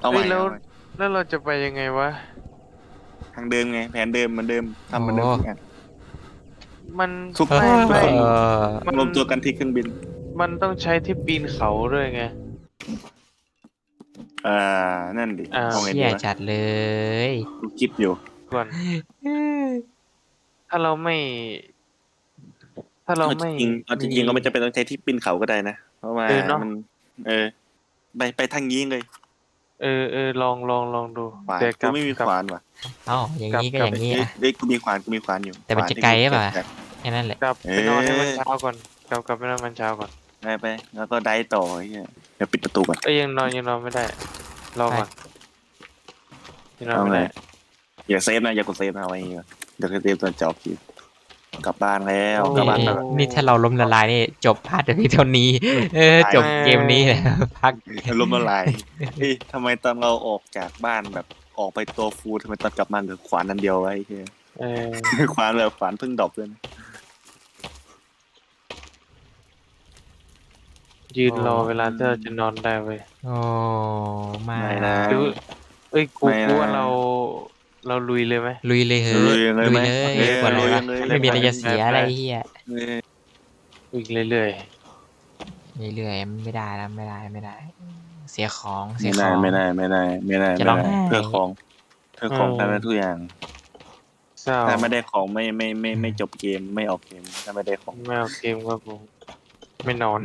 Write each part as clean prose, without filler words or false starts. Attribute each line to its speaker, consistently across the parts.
Speaker 1: เอาให
Speaker 2: เฮ้ยแล้ว
Speaker 1: ม่เอาใหม่
Speaker 2: แล้วเราจะไปยังไงวะ
Speaker 1: ทางเดิมไงแผนเดิมเหมือนเดิมทำเหมือนเดิมทุกอย่าง
Speaker 2: มัน
Speaker 1: ทุก
Speaker 3: เอ
Speaker 2: ไม่
Speaker 1: คน
Speaker 2: มัน
Speaker 1: รวมตัวกันที่เครื่องบิน
Speaker 2: มันต้องใช้ที่ปีนเขาด้วยไง
Speaker 1: อ่านั่นดิ
Speaker 2: อ่า
Speaker 1: เอาไง
Speaker 3: เชี่ย
Speaker 1: ดีวะ
Speaker 3: จัดเลย
Speaker 1: กูคิดอยู่
Speaker 2: ก่อนถ้าเราไม่ถ้าเราไม่
Speaker 1: เอาจ
Speaker 2: มี
Speaker 1: ริงๆก็ไม่จำเป็นต้องใช้ที่ปีนเขาก็ได้นะเพราะว่า
Speaker 2: เนาะ
Speaker 1: มันเออไปทางนี้เลย
Speaker 2: ลองดู
Speaker 1: ขวาน
Speaker 2: แต่กลับ
Speaker 1: กูไม่มี
Speaker 2: กลับ
Speaker 1: ขวานว่ะ
Speaker 3: เอ้าอย่างนี้ก็
Speaker 2: กลับ
Speaker 3: อย่างนี้
Speaker 1: เอ้ย
Speaker 3: อ่ะ
Speaker 1: เอ้ยกูมีขวานอยู่
Speaker 3: แต่มันจะ
Speaker 1: ขวานที่
Speaker 3: ไกลหรือเปล่า
Speaker 1: กูเก็บจาก
Speaker 3: แค่นั้นแหละ
Speaker 2: กลับ
Speaker 1: เอ
Speaker 2: ไปนอนให้มัน
Speaker 1: อ
Speaker 2: เช้าก่อนกลับไปนอนมันเช้าก่อน
Speaker 1: ไปแล้วก็ได้ต่อไอ้เหี้ยเดี๋ยวปิดประตูก่อน
Speaker 2: เอ้ยยังนอนไม่ได้รอ
Speaker 3: ไป
Speaker 2: ก่อนยังนอน
Speaker 1: เอาไง
Speaker 2: ไม่ได้
Speaker 1: อย่าเซฟนะอย่ากดเซฟนะเอาไว้อย่างเงี้ยเดี๋ยวเซฟตอนจบคลิปกลับบ้านแล้ว
Speaker 2: โอ้
Speaker 1: กลับบ้าน
Speaker 3: นี่
Speaker 1: แบบ
Speaker 3: นี่ถ้าเราล้มละลายนี่จบพาร์ทเพียงเท่านี้จบเกมนี้แหละพัก
Speaker 1: ล้มละลายเฮ้ยทำไมตอนเราออกจากบ้านแบบออกไปตัวฟูทำไมตอนกลับมาเหลือขวานอันเดียวไว้เฮ้ย
Speaker 2: เออ
Speaker 1: ขวานเลยขวานเพิ่งดรอปเลยนะ
Speaker 2: ยืนรอเวลาที่เราจะนอนได้เว้ย
Speaker 3: โอ้มา
Speaker 1: ไม่นะ
Speaker 2: หรือเอ้ยกู
Speaker 1: ไม่นะ
Speaker 2: กูว่าเราลุยเลยไหม
Speaker 3: ลุยเลยเหอะ
Speaker 1: ลุยเลย
Speaker 3: ลุ
Speaker 1: ไหม
Speaker 3: ยเลย
Speaker 1: เออ
Speaker 3: กว่าอะไร
Speaker 1: ลุยว
Speaker 3: ะ
Speaker 1: เลย
Speaker 3: ไม่มีอะไรจะเสียอะไรเฮีย
Speaker 1: เออ
Speaker 2: ลุยเรื่อย
Speaker 3: เรื่อยๆไม่ได้แล้วไม่ได้ เสียของเสี
Speaker 1: ไม่
Speaker 3: ยข
Speaker 1: ได้
Speaker 3: อง
Speaker 1: ไม่ได้
Speaker 3: จะร้องไห้
Speaker 1: เพื่อของทำได้ทุกอย่าง
Speaker 2: ๆเศร้า
Speaker 1: ถ้าไม่ได้ของไม่จบเกมไม่ออกเกมถ้าไม่ได้ของ
Speaker 2: ไม่เอาเกมครับผมไม่นอน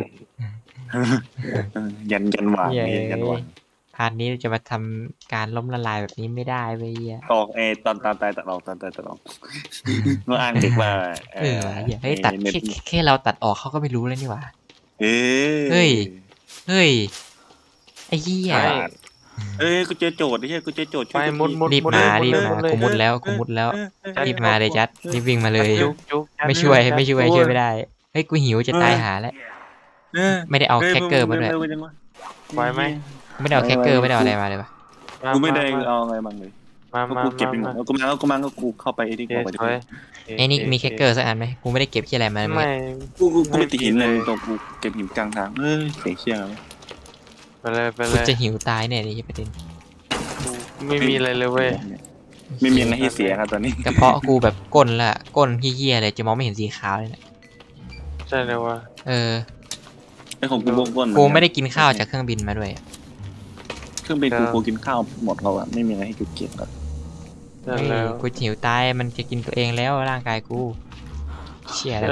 Speaker 1: ยันหว่าง
Speaker 3: เย้
Speaker 1: นี่ยันหว่าง
Speaker 3: พาร์ทนี้จะมาทำการล้มละลายแบบนี้ไม่ได้เว้ยเหี้ย
Speaker 1: ออกตอนตายตัดออกตอนตายตัดออกเมื่ออ้างเด็กว่า
Speaker 3: ว่ะเหี้ยเฮ้ยตัดแค่เราตัดออกเขาก็ไม่รู้แล้วนี่หว่า
Speaker 1: เอ้ย
Speaker 3: เฮ้ย เฮ้ยไอ้เหี้ย
Speaker 2: ใช่
Speaker 1: เอ้ยกูเจอโจทย์ไอ้เหี้ยกูเจอโจทย์
Speaker 2: ไปมุด
Speaker 3: รีบ
Speaker 2: มุด
Speaker 3: มา
Speaker 2: เลย
Speaker 3: รีบ
Speaker 2: มุ
Speaker 3: มา
Speaker 2: ดเลย
Speaker 3: กูมุดแล้ว
Speaker 2: จัด
Speaker 3: รีบมาเลยจัดรีบวิ่งมาเลย
Speaker 2: จุก
Speaker 3: ไม่ช่วยไม่ได้เฮ้ยกูหิวจะตายหาแล้ว ไม่ได้เอาแคคเกอร์มาด้วย
Speaker 2: ไหวไหม
Speaker 3: ไม่ได้เอาแคคเกอร์ไม่ได้เอาอะไรมาเลยปะ
Speaker 1: กูไม่ได้เอาอะไรบ้างเลย
Speaker 2: มา
Speaker 1: กูเก็บไปหมดกูมาก็กูเข้าไปที่
Speaker 2: เดี๋
Speaker 1: เข้า
Speaker 2: ยว
Speaker 1: ไป
Speaker 2: ถอย
Speaker 3: ไอ้นี่มีแคคเกอร์สักอันไหมกูไม่ได้เก็บที่อะไรมาเลย
Speaker 2: ไม่
Speaker 1: กูไม่ติดหินเลยตรงกูเก็บหินกลางทางเสียงเชี่ย
Speaker 2: ไปเลย
Speaker 3: กูจะหิวตายแน่เลยประเด็น
Speaker 2: ไม่มีอะไรเลยเว้ย
Speaker 1: ไม่มีอะไรให้เสียครับตอนนี้
Speaker 3: กระเพาะกูแบบก้นละก้นเหี้ยๆเลยจะมองไม่เห็นสีขาวเลยนะ
Speaker 2: ใช่เลยว่า
Speaker 3: เออ
Speaker 1: ไอ้ของกูบ้วน
Speaker 3: กูไม่ได้กินข้าวจากเครื่องบินมาด้วยอะ
Speaker 1: เครื่องบินกูกินข้าวหมดแล้วอะไม่มีอะไรให้กูเก็บแล้ว
Speaker 2: ใช่
Speaker 3: เฮ้ย
Speaker 2: แล้ว
Speaker 3: กูหิวตายมันจะกินตัวเองแล้วร่างกายกูเชี่ยแล้ว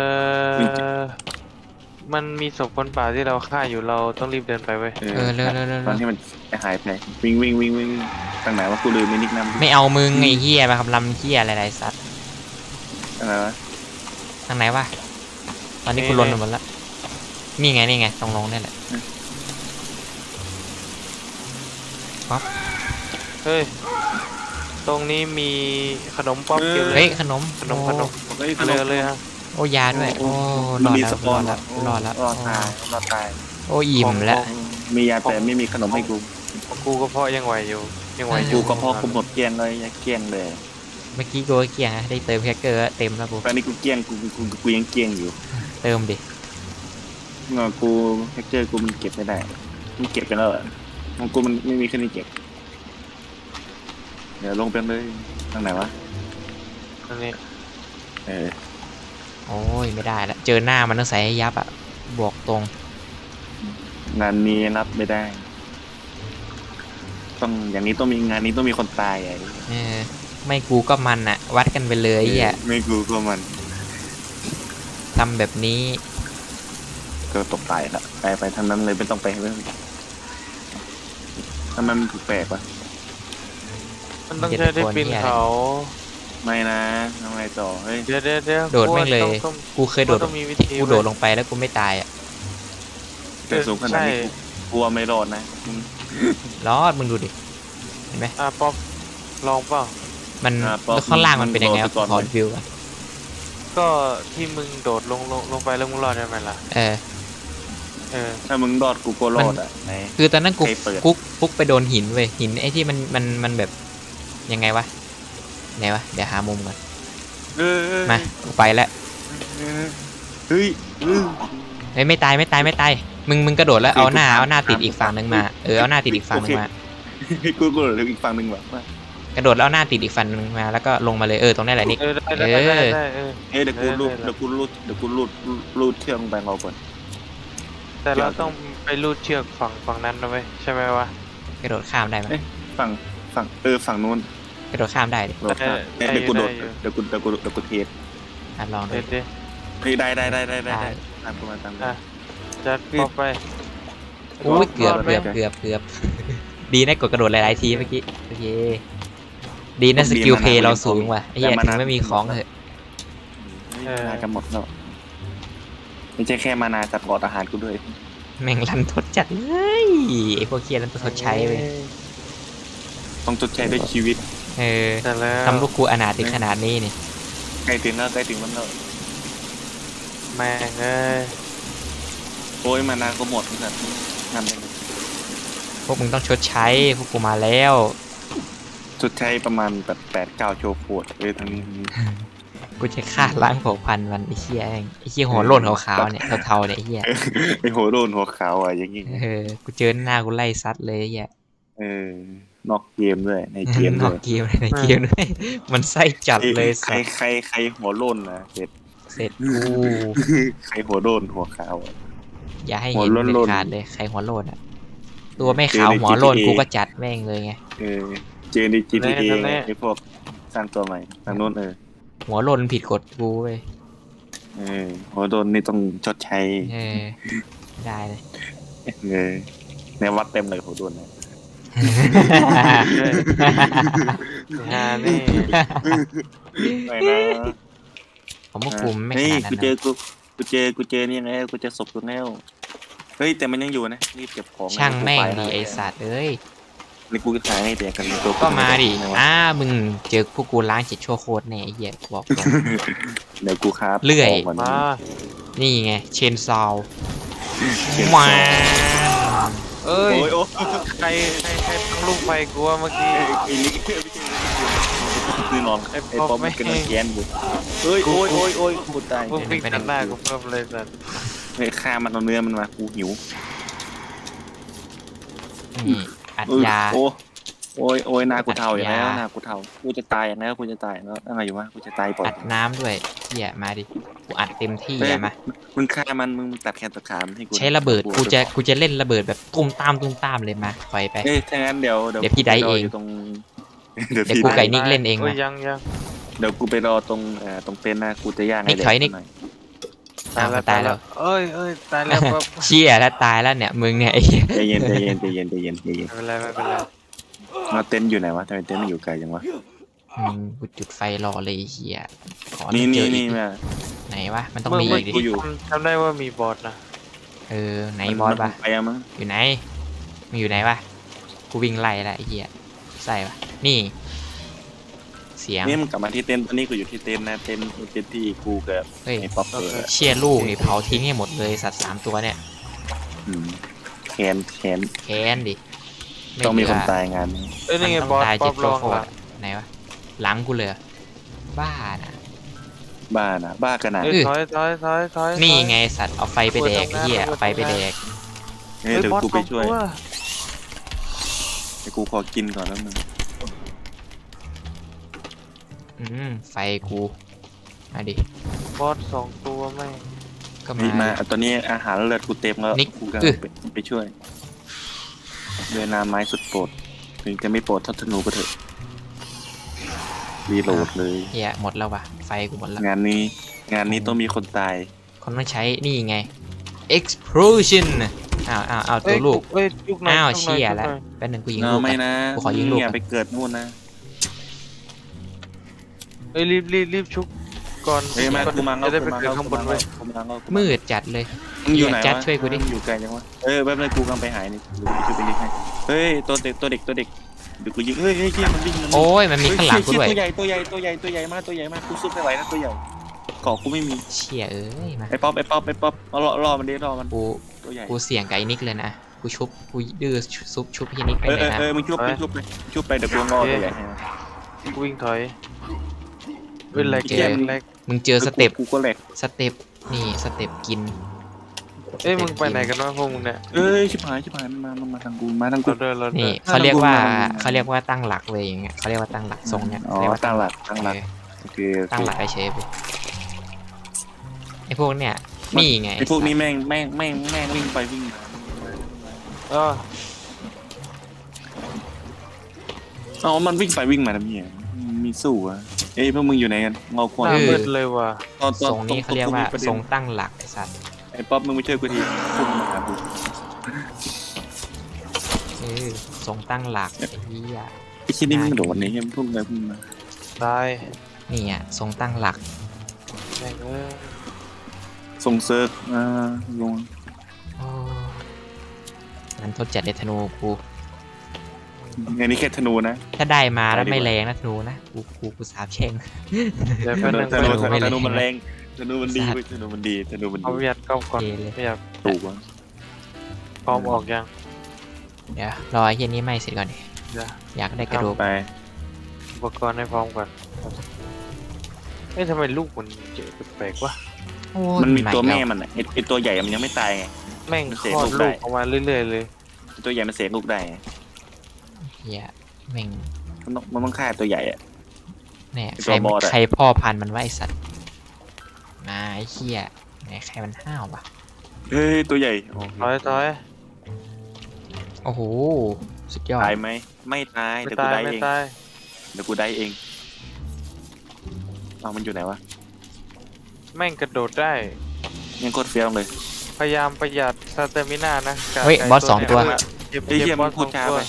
Speaker 2: มันมีศพคนป่าที่เราฆ่าอยู่เราต้องรีบเดินไปเว้ย
Speaker 3: เร็ว
Speaker 1: ตอนที่มันหายไปวิ่งตั้งไหนว่ากูลืมไม่นิกน้ำ
Speaker 3: ไม่เอามึงไอ้เหี้ยมาคำรำเหี้ยอะไรสัตว์
Speaker 1: อะไรวะ
Speaker 3: ทางไหนวะตอนนี้กูลนหมดละนี่ไงตรงลงนี่แหละ
Speaker 2: เฮ้ยตรงนี้มีขนมป๊อปเก็บเล
Speaker 3: เฮ้
Speaker 2: ย
Speaker 3: ยขนม
Speaker 2: ขนม
Speaker 1: เฮ้ย
Speaker 2: เลยฮะ
Speaker 3: โอ้ยาด้วยโอ้ร
Speaker 1: มั
Speaker 3: อน ด
Speaker 1: มี
Speaker 3: แล้ว
Speaker 1: สปอน
Speaker 3: รอดแล้ว
Speaker 1: รอตาย
Speaker 3: โอ้อิ่มแล้ว
Speaker 1: มียาแต่ไม่มีขนมให้กู
Speaker 2: ของกูก็เพาะยังไหวอยู่ยังไหวอ
Speaker 1: กู
Speaker 2: ยู่
Speaker 1: ก็พอกูหมดเกลี้ยงเลยเกลี้ยงเลย
Speaker 3: เมื่อกี้กูก็เกลี้ยงนะได้เติมแคคเกอร์เต็มแล้วกู
Speaker 1: ตอนนี้กูเกลี้ยงกูยังเกลี้ยงอยู่
Speaker 3: เติมดิ
Speaker 1: กูแฮกเจอร์กูมันเก็บไม่ได้มันเก็บไปแล้วอะของกูมันไม่มีแค่นี้เก็บเดี๋ยวลงไปเลยทางไหนวะ
Speaker 2: อันนี้
Speaker 3: โอ้ยไม่ได้ละเจอหน้ามันต้องใส่ให้ยับอ่ะบอกตรง
Speaker 1: งานนี้รับไม่ได้ ต้องอย่างนี้ต้องมีงานนี้ต้องมีคนตายไอ้
Speaker 3: เออไม่กูก็มันอ่ะ วัดกันไปเลยอ่ะ
Speaker 1: ไม่กูก็มัน
Speaker 3: ทำแบบนี้
Speaker 1: ก็ตกตายละไปทางนั้นเลยไม่ต้องไปเรื่องถ้ามันแปลกๆวะ
Speaker 2: มันต้องใช้ได้ปีนเขา
Speaker 1: ไม่นะทำไงต่อเฮ้ย
Speaker 2: เดี๋ยว
Speaker 3: โดดแม่งเลย
Speaker 2: ต้อง
Speaker 3: กูเคยโดด
Speaker 2: ต้องมีวิธี
Speaker 3: ที่กูโดดลงไปแล้วกูไม่ตายอ่ะ
Speaker 1: แต่สูงขนาดนี้กลัวไม่รอดนะ
Speaker 3: รอดมึงดูดิเห็นไหม
Speaker 2: ป๊อปลองเปล่า
Speaker 3: มันแล้วข้างล่างมันเป็นยังไงวะขอรีวิวก่อน
Speaker 2: ก็ที่มึงโดดลงไปแล้วมึงรอดได้ไหมล่ะ
Speaker 3: เออ
Speaker 1: ถ้ามึงรอดกูก็รอดอ่ะไหน
Speaker 3: คือตอนนั้นกู
Speaker 1: ใครเปิด
Speaker 3: ฟุกไปโดนหินเว้ยหินไอ้ที่มันแบบยังไงวะไหนวะเดี๋ยวหามุมก่อนมากูไปแล้ว
Speaker 1: เฮ้ย
Speaker 3: เฮ้ยไม่ตายมึงกระโดดแล้วเอาหน้าติดอีกฝั่งหนึ่งมาเอาหน้าติดอีกฝั่งหนึ่งมา
Speaker 1: กูโดดอีกฝั่งหนึ่งแบบว่าก
Speaker 3: ระโดดแล้วหน้าติดอีกฟันนึงมาแล้วก็ลงมาเลยตรงนี้แหละนิก
Speaker 2: ได้เออ
Speaker 1: เฮ้ยเดี๋ยวกูรูดรูดเชือกลงไปเราก่อน
Speaker 2: แต่เราต้องไปลูดเชือกฝั่งนั้นนะเว้ยใช่ไหมวะ
Speaker 3: กระโดดข้ามได้ไหม
Speaker 1: ฝั่งฝั่งนู้น
Speaker 3: กระโดดข้ามได้ดิ
Speaker 1: โดดข้ามเดี๋ยวกูโดดเดี๋ยวกูเทส
Speaker 3: ลองดู
Speaker 2: เด็ดดิ
Speaker 1: เฮ้ยได้ตามกูมาตามกู
Speaker 2: จัดป๊อปไป
Speaker 3: อุ้ยเกือบ
Speaker 2: รอดไหม
Speaker 3: ดีนะกดกระโดดหลายๆทีเมื่อกี้โอเคดีนะสกิลเพย์เราสูงว่ะไอ้เหี้ยถึงไม่มีของเถอะ
Speaker 1: มาจะหมดแล้วไม่ใช่แค่มานาจัดกอดอาหารกูด้วย
Speaker 3: แม่งรันทดจัดเลยไอ้พวกเคียรันทดใช้ไป
Speaker 1: ต้องจดใช้ด้วยชีวิต
Speaker 2: แต่แล้ว
Speaker 3: ทำลูกกูอนาถถึงขนาดนี้นี่
Speaker 1: ใกล้ถึงแล้วแล้ว
Speaker 2: แม่งเอ้ย
Speaker 1: โอ้ยมานาก็หมดเหมือนกันทำได้
Speaker 3: พวกมึงต้องชดใช้พวกกูมาแล้ว
Speaker 1: จดใช้ประมาณแบบ8-9 โชว์โคตรทั้งนี้
Speaker 3: กูจะฆ่าล้างเผ่าพันธุ์มันไอ้เหี้ยเองไอ้เหี้ยหัวโล้นขาวๆเนี่ยเทาๆเนี่ยไอ้เหี้ย
Speaker 1: ไอหัวโดนหัวขาวอ่ะอย่างงี้
Speaker 3: กูเจอหน้ากูไล่ซัดเลยไอ้เหี้ย
Speaker 1: นอกเกมด้วยในเกม
Speaker 3: น
Speaker 1: ด้
Speaker 3: อ
Speaker 1: ว
Speaker 3: ก
Speaker 1: ย
Speaker 3: เกมในเกมด้วยมันไส้จัดเลย
Speaker 1: ใครหัวโล้นนะเสร็จ
Speaker 3: เสร็จกู
Speaker 1: ใครหัวโดนหัวขาว
Speaker 3: อย่าให้
Speaker 1: หั
Speaker 3: เห็
Speaker 1: วน โล้น
Speaker 3: เด็ดขาดเลยใครหัวโล้นอ่ะตัวไม่ขาวหัวโล้นกูก็จัดแม่งเลยไง
Speaker 1: เจอใน GTA ไอพวกสร้างตัวใหม่ทางโน้น
Speaker 3: หัวโล้นผิดกฎกูเว้ย
Speaker 1: หัวโดนนี่ต้องชดใช้
Speaker 3: ได้เลย
Speaker 1: ในวัดเต็มเลยหัวโดนนะ
Speaker 2: งานนี่
Speaker 1: ไม่นะ
Speaker 3: ผมว่ากูไม่ข
Speaker 1: นี่
Speaker 3: นาดนั้น
Speaker 1: กูเจอ
Speaker 3: นะ
Speaker 1: กูเจอนี่ไงกูเจอศพกูแล้วเฮ้ยแต่มันยังอยู่นะรีบเก็บของ
Speaker 3: ช่างแม่งดีไอสัตว์เอ้ย
Speaker 1: นี่กูขายให้แต่กันตัว
Speaker 3: ก็มาดิมึงเจอพวกกูล้างจิตชั่วโคตรแน่ไอ้เหี้ยบอกตรง
Speaker 1: เดี๋ยวกูครับ
Speaker 3: เลื่อย
Speaker 2: มา
Speaker 3: นี่ไงเชนซาว
Speaker 1: เขียน
Speaker 3: มา
Speaker 2: เอ้ย
Speaker 1: โอ้ยโอ้
Speaker 2: ใครตั้งลูกไฟกูวะเมื่อกี้
Speaker 1: ไอ้ลิกไม่ใช่คือนอน
Speaker 2: ไอ้
Speaker 1: ไอ้
Speaker 2: ป๊อป
Speaker 1: ป๊อป
Speaker 2: ไม่
Speaker 1: มันกำลังแค้นอยู่เฮ้ยโอ้ยกูตาย
Speaker 2: พวกวิ่งตัดหน้ากูเพิ่มเลยสัตว์
Speaker 1: เฮ้ยฆ่ามันเอาเนื้อมันมากูหิว
Speaker 3: นี่อัดยา
Speaker 1: โอ้ยหน้ากูเทาอย่างแล้วหน้ากูเทากูจะตายอย่างแล้วกูจะตายแล้วอะไรอยู่วะกูจะตายปล่อย
Speaker 3: อัดน้ำด้วยเหี้ยมาดิกูอัดเต็มที่อะมา
Speaker 1: มึงฆ่ามันมึงตัดแขนตัดขามันให้กู
Speaker 3: ใช้ระเบิดกูจะเล่นระเบิดแบบตุ้มตามเลยมาปล่อยไป
Speaker 1: เอ้ยถ้างั้นเดี๋ยว
Speaker 3: เดี๋ยวพี่ไดเอง
Speaker 1: ยู่ตรง
Speaker 3: เดี๋ยวกูไก่นิกเล่นเอง
Speaker 2: โอ้
Speaker 3: มาย
Speaker 2: ยัง
Speaker 1: เดี๋ยวกูไปรอตรงเต็นท์นะกูจะย่างให้
Speaker 3: นิกถอยนิก
Speaker 1: หน่อย
Speaker 3: ตายแล้ว
Speaker 2: เอ้ยตายแล้วป๊อป
Speaker 3: เชี่ยแล้วตายแล้วเนี่ยมึงเนี่ยไอ้เหี้ย
Speaker 1: ใจเย็น
Speaker 2: ไม่เป็นไร
Speaker 1: แล้วเต็นท์อยู่ไหนวะทำไมเต็นท์มันอยู่ไกลจังวะ
Speaker 3: กูจุดไฟรอเลยไอ้เหี้ยขอ
Speaker 1: นี่
Speaker 3: เจออีก
Speaker 1: แม่
Speaker 3: ไหนวะมันต้อง
Speaker 2: เมื่
Speaker 3: มี
Speaker 2: อ
Speaker 3: อีกดิ
Speaker 2: กี้จำได้ว่ามีบอสนะ
Speaker 3: ไหนบอสปะ
Speaker 1: ไปอะมั้ง
Speaker 3: อยู่ไหนมันอยู่ไหนวะกูวิ่งไล่ละไอ้เหี้ยใส่ปะนี่เสียง
Speaker 1: นี่มันกลับมาที่เต็นท์ตอนนี้กูอยู่ที่เต็นท์นะเต็นท์ที่กูกับ
Speaker 3: เฮ้ย
Speaker 1: ไอ้ป๊อป
Speaker 3: เชี่ยลูกนี่เผาทิ้งให้หมดเลยสัตว์3 ตัวเนี่ย
Speaker 1: แขน
Speaker 3: แค้นดิ
Speaker 1: ต้องมีคน
Speaker 3: เหลื
Speaker 1: ตายงานนี้
Speaker 2: เอ้ยนี่ไง
Speaker 3: มัน
Speaker 2: บ
Speaker 3: ต้
Speaker 2: อ
Speaker 3: อง
Speaker 2: ส
Speaker 3: ตาย
Speaker 2: ป๊
Speaker 3: เจ็
Speaker 2: อบ ปล
Speaker 3: ตัว
Speaker 2: อง
Speaker 3: โคต
Speaker 2: ละ
Speaker 3: รไหนวะหลังกูเลยบ้านะ
Speaker 1: บ้าขนาด
Speaker 2: เอ้ยถอย
Speaker 3: นี่ไงสัตว์เอาไฟไปแดกไอ้เหี้ยเอาไฟไปแดก
Speaker 1: เดี๋ยวกูไปช่วย
Speaker 2: บอส
Speaker 1: เดี๋ยวกูขอกินก่อนแล้วมึง
Speaker 3: ไฟกูมาดิ
Speaker 2: สองตัวไม่
Speaker 3: ก็
Speaker 1: นี่
Speaker 3: มา
Speaker 1: มาตอนนี้อาหารเลือดกูเต็มแล้ว
Speaker 3: นิก
Speaker 1: กูกำลังไปช่วยด้วยน้ำไม้สุดโปรดถึงจะไม่โปรดเท่าธนูก็เถอะรีโหลดเลย
Speaker 3: เหี้ยหมดแล้ววะไฟกูหมดแล้ว
Speaker 1: งานนี้ต้องมีคนตาย
Speaker 3: คนต้องใช้นี่ไง explosion อ้าวตัวลูก
Speaker 2: เอ้ยยุกหน่อย
Speaker 3: อ้าว
Speaker 2: ยุกหน่
Speaker 3: เชี่ย
Speaker 2: ยุกห
Speaker 3: แล้ว
Speaker 2: น่อ
Speaker 3: แป๊บนึงกูยิง
Speaker 1: เอ
Speaker 3: ลู
Speaker 1: อก ไม่
Speaker 3: ก่อน
Speaker 1: นะ
Speaker 3: กูขอยิงลูก
Speaker 1: อย่าไปเกิดนู่นนะ
Speaker 2: เอ้ยรีบชุบก่อน
Speaker 1: เฮ้ยมากูมา
Speaker 2: จะได้ไปเกิดข้างบนไว้ย
Speaker 3: มืดจัดเลย
Speaker 1: มึงอยู่ไหน
Speaker 3: จัด
Speaker 1: วะ
Speaker 3: ช่วยกูดิ
Speaker 1: มึงอยู่ไกลจังวะแป๊บนึงกูกำลังไปหายนี่ดูช่วยไปยิงให้เฮ้ยตัวเด็กเดี๋ยวกูยิงเฮ้ยมันวิ่ง
Speaker 3: โอ้ยมันมีข้างหลังกูด้วย
Speaker 1: ตัวใหญ่มากกูสู้ไม่ไหวนะตัวใหญ่เกาะกูไม่มี
Speaker 3: เชี่ยเอ้ยมา
Speaker 1: ไอ้ป๊อปเอารอมันดิรอมัน
Speaker 3: กู
Speaker 1: ตัวใหญ่
Speaker 3: กูเสี่ยงกับไอ้นิกเลยนะกูดื้อชุบพี่นิกไปเลยนะ
Speaker 1: มึงชุบไปเดี๋ยวกูรอตัวใหญ่ให้
Speaker 2: กูวิ่งถอยเว้ยแหลก
Speaker 3: มึงเจอสเต็ป
Speaker 1: กูก็แหลก
Speaker 3: นี่สเต็ปกิน
Speaker 2: เอ้ยมึงไปไหนกันวะพวกมึงเนี่ย
Speaker 1: เอ้ยชิบหายมันมาทางกูมาทางกู
Speaker 2: เราเดินเราเดิ
Speaker 3: นี่
Speaker 2: น
Speaker 3: เขาเรียกว่า
Speaker 1: ตั้งหลัก
Speaker 3: เขาเรียกว่าตั้งหลักเลยอย่างเงี้ยเขาเรียกว่าตั้งหลักทรงเนี้ย
Speaker 1: อ๋อ
Speaker 3: เรียกว่า
Speaker 1: ตั้งหลัก
Speaker 3: เออ
Speaker 1: โอเค
Speaker 3: ตั้งหลักเฉยๆไปไอ้พวกเนี้ยนี่ไง
Speaker 1: ไอพวกนี้แม่งวิ่งไปวิ่งมา
Speaker 2: เออ
Speaker 1: อ๋อมันวิ่งไปวิ่งมาทำเนี่ยมีสู้อะเอ้ยพวกมึงอยู่ไหนกันเงาค
Speaker 2: ห
Speaker 1: วัน
Speaker 2: น้ามืดเลยว่ะ
Speaker 3: ทรงนี้เขาเรียกว่าทรงตั้งหลักไอ้สัตว์
Speaker 1: ไอ้ป๊อปมึงไม่ช่วยกูทีพุ่งมาหากู
Speaker 3: ทรงตั้งหลักไอ้เหี้ย
Speaker 1: ไอ้ชิ้นนี้มันโดดนี่ยังพุ่งไปพุ่งมา
Speaker 2: ตาย
Speaker 3: นี่อ่ะทรงตั้งหลัก
Speaker 2: แม่งเอ้ย
Speaker 1: ส่งเซิร์ฟลง
Speaker 3: โอ้นั้นทดจัดเลยธนูกู
Speaker 1: อันนี้แค่ธนูนะ
Speaker 3: ถ้าได้มาแล้ว
Speaker 1: ไปดีกว่า
Speaker 3: ไม่แรงนะธนูนะกูสาบแช่ง
Speaker 2: เดี๋ยวแป๊บนึง
Speaker 1: ธนู
Speaker 3: ไม่แรง
Speaker 1: ธนูมันแรงธนูมันดีเว้ยธนูมันดีธนูมัน
Speaker 2: เอา
Speaker 1: ดี
Speaker 2: ประหยัดกล้องก่อน
Speaker 3: เทเลย
Speaker 2: ประหยัด
Speaker 1: ถูกวะ
Speaker 2: พร้อมออกยัง
Speaker 3: เดี๋ยวรอไอ้เหี้ยนี้ไหม้เสร็จก่อนดิ
Speaker 2: เดี๋ยว
Speaker 3: อยากได้กระดูก
Speaker 1: ไป
Speaker 2: อุปกรณ์ให้พร้อมก่อนเอ้ยทำไมลูกมันเจ๋อแปลกๆวะ
Speaker 3: โอ้ย
Speaker 1: มันมีตัว
Speaker 3: ให
Speaker 1: แม่
Speaker 3: แล้ว
Speaker 1: มันอะไอตัวใหญ่มันยังไม่ตายไง
Speaker 2: แม่ง
Speaker 1: มัน
Speaker 2: ค
Speaker 1: เสก
Speaker 2: ลอ
Speaker 1: ลู
Speaker 2: ด
Speaker 1: กได้
Speaker 2: ลูกออกมาเรื่อยๆเลย
Speaker 1: ไอ้ตัวใหญ่มันเสกลูกได้ไง
Speaker 3: เหี้ยแม่ง
Speaker 1: มันต้องฆ่าตัวใหญ่อะ
Speaker 3: เนี่ย
Speaker 1: ไอ้ตัวบอสอะ
Speaker 3: ใครพ่อพันธุ์มันว่าไอสัตว์มาไอ้เหี้ยไหนใครมันห้าวปะ
Speaker 1: เฮ้ยตัวใหญ่
Speaker 2: ถอย
Speaker 3: โอ้โหสุดยอด
Speaker 1: ตายไหมไม่ตาย
Speaker 2: ไม่
Speaker 1: เดี๋ยวกู
Speaker 2: ตาย
Speaker 1: ได้
Speaker 2: ไม่
Speaker 1: เอง
Speaker 2: ตาย
Speaker 1: เดี๋ยวกูได้เองเอามันอยู่ไหนวะ
Speaker 2: แม่งกระโดดได้
Speaker 1: ยังโคตรเฟี้ยวเลย
Speaker 2: พยายามประหยัดสเตมิน่านะกับ
Speaker 3: เฮ้ย
Speaker 2: ไก่
Speaker 3: บอสสองตัว
Speaker 2: เนี่ยเก็บ
Speaker 1: ไอ้เหี้ย
Speaker 2: บ
Speaker 1: มั
Speaker 2: อน ส
Speaker 1: พู
Speaker 2: ส
Speaker 1: ด
Speaker 2: อง
Speaker 1: ช้า
Speaker 2: ตัว
Speaker 1: ไป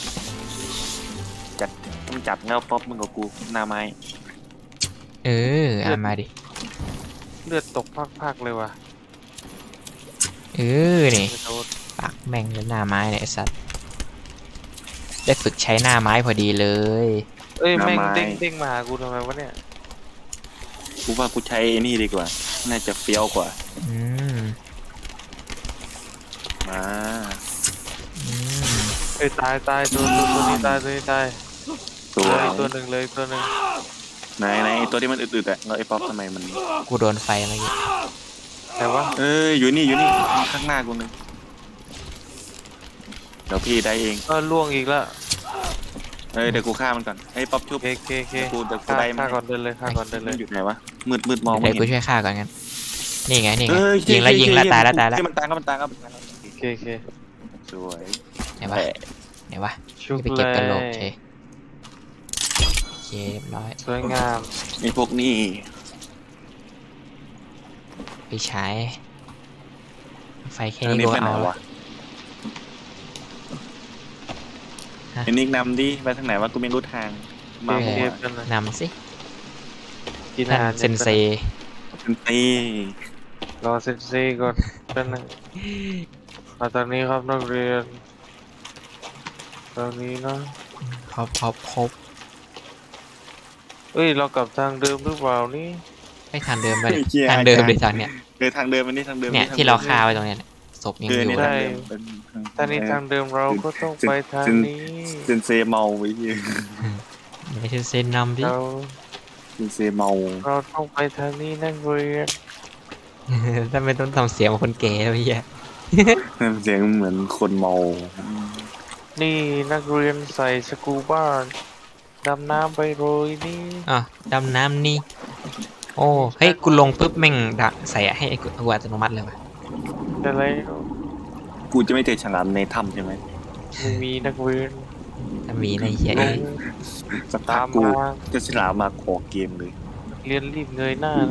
Speaker 1: มึงจับเงาป๊อปมึงกับกูหน้าไม้
Speaker 3: เออเอามาดิ
Speaker 2: เลือดตกพากๆเลยว่ะ
Speaker 3: เออนี่
Speaker 2: กระโดด
Speaker 3: ปักแม่งเลยหน้าไม้เนี่ยไอสัตว์ได้ฝึกใช้หน้าไม้พอดีเลย
Speaker 2: เอ้ยแม่งเด้งมาหากูทำไมวะเนี่ย
Speaker 1: กูว่ากูใช้ไอ้นี่ดีกว่า น่าจะเฟี้ยวกว่า
Speaker 3: อืม
Speaker 1: มา
Speaker 3: อืม
Speaker 2: เอ้ยตายตัวนี้ตายตัวนี้ตาย
Speaker 1: ตัว
Speaker 2: เลยตัวหนึ่งเลยตัวหนึ่ง
Speaker 1: ไหนไอ้ตัวที่มันอึดๆอะแล้วไอ้ป๊อปทำไมมัน
Speaker 3: กูโดนไฟเมื่อกี้
Speaker 2: แต่ว่า
Speaker 1: เอ้ยอยู่นี่ข้างหน้ากูเลยเดี๋ยวพี่ได้เอง
Speaker 2: ล่วงอีกแล้ว
Speaker 1: เอ้ยเดี๋ยวกูฆ่ามันก่อนไอ้ป๊อปชุบ
Speaker 2: เค
Speaker 1: เดี๋ยวกู
Speaker 2: ฆ่า
Speaker 1: ได้มัน
Speaker 2: ก่อนเดินเลยฆ่าก่อนเดินเล
Speaker 1: มั
Speaker 2: ย
Speaker 1: นอยู่ไหนวะมืดมองไม่
Speaker 3: เดี๋ยวกู
Speaker 1: เห็น
Speaker 3: ช่วยฆ่าก่อนงั้นนี่ไง
Speaker 1: เอ้ย
Speaker 3: ยิงแล้วตายแล้ว
Speaker 1: มันตายแล้ว
Speaker 2: เค
Speaker 1: สวย
Speaker 3: ไหนวะ
Speaker 1: แต่
Speaker 3: ไหนวะ
Speaker 2: ชุบ
Speaker 3: ไป
Speaker 2: เล
Speaker 3: เก็บกระโหลก
Speaker 2: ย
Speaker 3: เชโอเคเรียบร้อย
Speaker 2: สวยงาม
Speaker 1: ไอ้พวกนี้
Speaker 3: ไปใช้ไฟแค่
Speaker 1: ทาง
Speaker 3: นี้
Speaker 1: นี้
Speaker 3: กู
Speaker 1: ไป
Speaker 3: ก็
Speaker 1: ไหน
Speaker 3: เอา
Speaker 1: วะ
Speaker 3: ฮะ
Speaker 1: ไอ้นิกนำดิไปทางไหนวะกูไม่รู้ทางมา
Speaker 2: เค
Speaker 1: หมด
Speaker 2: กันนะ
Speaker 3: นำสิ
Speaker 2: กิน
Speaker 3: ท่า
Speaker 2: อาน หาร
Speaker 3: เซนเซ
Speaker 1: เป็นตี
Speaker 2: รอเซนเซก่อนเป็นงมาตอนนี้ครับนักเรียนตอนนี้นะ
Speaker 3: ครบ
Speaker 2: เอ้ยเรากลับทางเดิมหรือเปล่านี่
Speaker 3: ให้ทางเดิมไปทางเดิมเลยทางเนี้ย
Speaker 1: ทางเดิมอันนี้ทางเดิม
Speaker 3: เนี่ยที่เราฆ่าไว้ตรงเนี้ยศพยัง
Speaker 1: เอ
Speaker 3: อ
Speaker 1: อยู่ นี่
Speaker 3: เล
Speaker 1: ทาง
Speaker 3: ย
Speaker 1: เดิมเป็น
Speaker 2: ถ้านี้ทางเดิมเราก็ต้องไปทางนี้
Speaker 1: เซนเซเมาไว้เหี้ย
Speaker 3: ไม่ใช่เซนนำดิ
Speaker 2: เรา
Speaker 1: เซนเซเมา
Speaker 2: เราต้องไปทางนี้นักเรียน
Speaker 3: ทำไมต้องทำเสียงเหมือนคนแก่วะเฮีย
Speaker 1: เสียงเหมือนคนเมา
Speaker 2: นี่นักเรียนใส่สกูบ้าดำน้ำไปโรยนี่
Speaker 3: อ่ะดำน้ำนี่ โอ้เฮ้ยกูลงปุ๊บแม่งดักใส่ให้ไอ้กูอัตโนมัติเลยว่ะ
Speaker 2: อะไร
Speaker 1: กูจะไม่เจอฉลามในถ้ำใช่ไหม
Speaker 2: ไม่มีนักเรียน
Speaker 3: ถ้ามีในเฮีย
Speaker 2: ล
Speaker 3: เอ้
Speaker 2: ง
Speaker 3: ย
Speaker 1: สักพั
Speaker 2: ตาก ม
Speaker 1: กู
Speaker 2: มา
Speaker 1: จะฉลามมาขอเกมเลย
Speaker 2: เรียนรีบเงยหน้านะ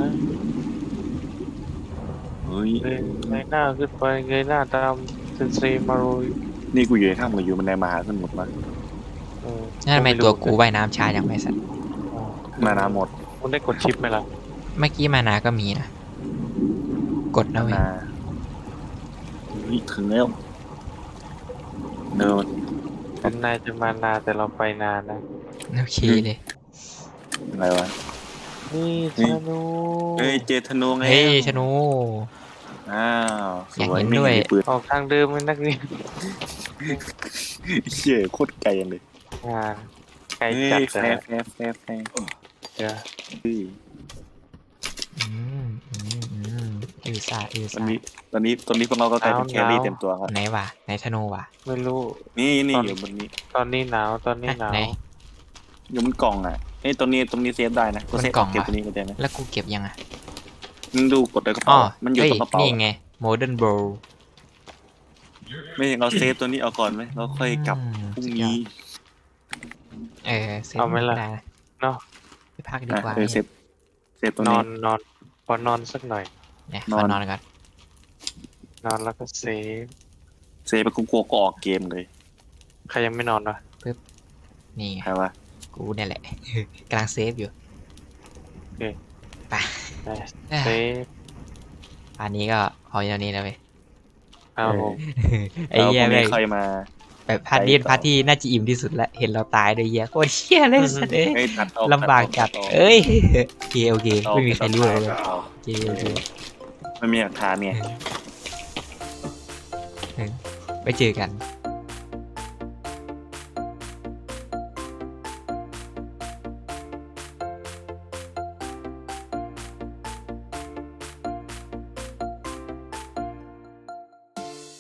Speaker 1: เฮ้ย
Speaker 2: เงยหน้าขึ้นไปเงยหน้าตามเซนเซมาโรย
Speaker 1: นี่กูอยู่ในถ้ำกับอยู่มันในมหาสมุทรมา
Speaker 2: เออ
Speaker 3: นั่นทำไมตัวกูว่ายน้ำช้าอย่างไม่สัตว์
Speaker 1: มานาหมด
Speaker 2: คุณได้กดชิปไหมล่ะ
Speaker 3: เมื่อกี้มานาก็มีนะ กดนะเว้ย
Speaker 1: นาเฮ้ยถึงแล้วเดิน
Speaker 2: เป็นนายจะมานาแต่เราไปนานนะ
Speaker 3: โอเคเลย
Speaker 1: อะไรวะ
Speaker 2: นี่ธนู
Speaker 1: เฮ้ยเจอธนูไง
Speaker 3: เฮ้ยชนู
Speaker 1: อ้าวส
Speaker 3: อยาก
Speaker 1: วย
Speaker 3: เห็น
Speaker 1: ไม่
Speaker 3: ด้วย
Speaker 1: มีปืน
Speaker 2: ออกทางเดิมเลยนักเรียน
Speaker 1: เชี่ยโคตรไกลเลย
Speaker 2: ไกล
Speaker 1: เฮ้
Speaker 2: จัด
Speaker 1: ย
Speaker 2: แต่
Speaker 1: แฟร์
Speaker 2: เดี๋ยว
Speaker 1: เฮ้ย
Speaker 3: อืมอิวซ่าอิว
Speaker 1: ตอน
Speaker 3: ซ่า
Speaker 1: นี้ตอนนี้พวกเราก็กลายเป็นแครี่เต็มตัวครับ
Speaker 3: ไหนวะไหนธนูวะ
Speaker 2: ไม่รู้
Speaker 1: นี่
Speaker 2: ตอน
Speaker 1: อยู่บนนี้
Speaker 2: ตอนนี้หนาวตอนนี้หนาว
Speaker 3: ไหน
Speaker 1: อยู่บนกล่องอ่ะเอ้ยตรงนี้เซฟได้นะก็เซฟ
Speaker 3: บนกล่อง
Speaker 1: เก็บ
Speaker 3: เหรอ
Speaker 1: ตัวนี้ก็ได้นะ
Speaker 3: แล้วกูเก็บยังอ่ะ
Speaker 1: มึงดูกดในกระ
Speaker 3: อ๋อ
Speaker 1: เป๋ามันอยู่
Speaker 3: เฮ้ย
Speaker 1: ตรงกระเป๋า
Speaker 3: นี่ไง Modern Bow
Speaker 1: ไม่ใช่เราเซฟตัวนี้เอาก่อนไหมเราค่อยกลับพรุ่งนี้
Speaker 3: เซฟ
Speaker 2: เอาไหมล่ะ
Speaker 3: ด้นะ
Speaker 2: เนาะ
Speaker 3: ไปพักดีกว่า
Speaker 1: เซฟตรง
Speaker 2: นอ
Speaker 1: นี้
Speaker 2: นพอนอนสักหน่อย
Speaker 3: เนี่ย
Speaker 1: น
Speaker 3: ข
Speaker 1: อ
Speaker 3: อน นอนก่อน
Speaker 2: นอนแล้วก็เซฟ
Speaker 1: เซฟไปกูกลัวก็ออกเกมเลย
Speaker 2: ใครยังไม่นอนวะ
Speaker 3: นี่ไง
Speaker 1: ใครวะ
Speaker 3: กูเนี่ยแหละ กำลังเซฟอยู่ ไป
Speaker 2: เซฟ
Speaker 3: อันนี้ก็พออย่างนี้แล้วเว้ย
Speaker 2: เอาผม
Speaker 3: ไอ้เหี้ย
Speaker 1: แล้วพรุ่ง
Speaker 3: แม่
Speaker 1: นี้
Speaker 3: ง
Speaker 1: ใครมา
Speaker 3: แบบพาร์ทนี้เป็นพาร์ทที่น่าจะอิ่มที่สุดละเห็นเราตายด้วยเหี้ยโคตรเชี่ยเลยสัตว์เอ้ย
Speaker 1: เฮ้ยตัดออก
Speaker 3: ลำบากจัด
Speaker 1: ตัออก
Speaker 3: เอ้ยโอเคโอเค
Speaker 1: ตัดออก
Speaker 3: ไม่มีใครรู้เลย
Speaker 1: ตัดออก
Speaker 3: โอเคโอเค
Speaker 1: ไม่มีหลักฐานไง
Speaker 3: ไปเจอกัน